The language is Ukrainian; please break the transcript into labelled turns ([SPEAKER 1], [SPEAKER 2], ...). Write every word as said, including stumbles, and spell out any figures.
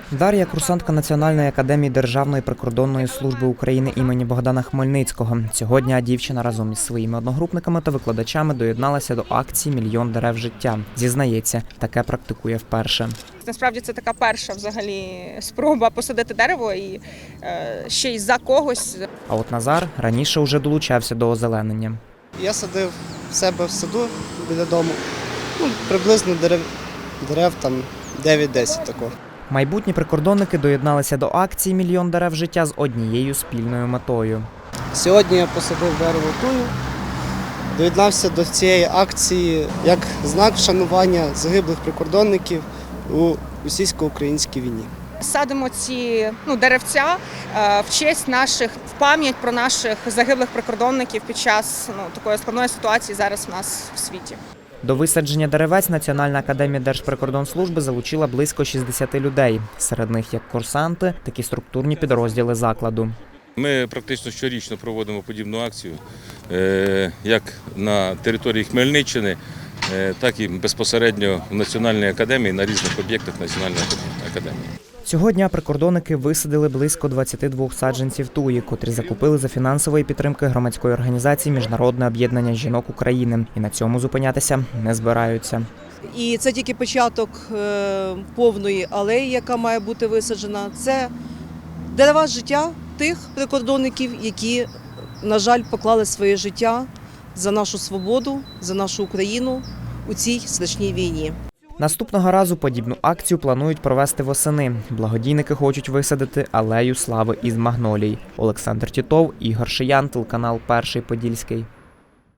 [SPEAKER 1] Дар'я – курсантка Національної академії Державної прикордонної служби України імені Богдана Хмельницького. Цього дня дівчина разом із своїми одногрупниками та викладачами доєдналася до акції «Мільйон дерев життя». Зізнається, таке практикує вперше.
[SPEAKER 2] Насправді це така перша взагалі спроба посадити дерево і е, ще й за когось.
[SPEAKER 1] А от Назар раніше вже долучався до озеленення.
[SPEAKER 3] Я садив в себе в саду біля дому, ну, приблизно дерев, дерев там дев'ять-десять такого.
[SPEAKER 1] Майбутні прикордонники доєдналися до акції «Мільйон дерев життя» з однією спільною метою.
[SPEAKER 3] Сьогодні я посадив дерево тую, доєднався до цієї акції як знак вшанування загиблих прикордонників у російсько-українській війні.
[SPEAKER 2] Садимо ці ну, деревця е, в честь наших, в пам'ять про наших загиблих прикордонників під час ну, такої складної ситуації зараз у нас в світі.
[SPEAKER 1] До висадження деревець Національна академія Держприкордонслужби залучила близько шістдесят людей. Серед них як курсанти, так і структурні підрозділи закладу.
[SPEAKER 4] Ми практично щорічно проводимо подібну акцію, як на території Хмельниччини, так і безпосередньо в Національній академії на різних об'єктах Національної академії.
[SPEAKER 1] Цього дня прикордонники висадили близько двадцяти двох саджанців туї, котрі закупили за фінансової підтримки громадської організації «Міжнародне об'єднання жінок України». І на цьому зупинятися не збираються.
[SPEAKER 5] І це тільки початок повної алеї, яка має бути висаджена. Це дерева життя тих прикордонників, які, на жаль, поклали своє життя за нашу свободу, за нашу Україну у цій страшній війні.
[SPEAKER 1] Наступного разу подібну акцію планують провести восени. Благодійники хочуть висадити алею слави із магнолій. Олександр Тітов, Ігор Шиян, телеканал «Перший Подільський».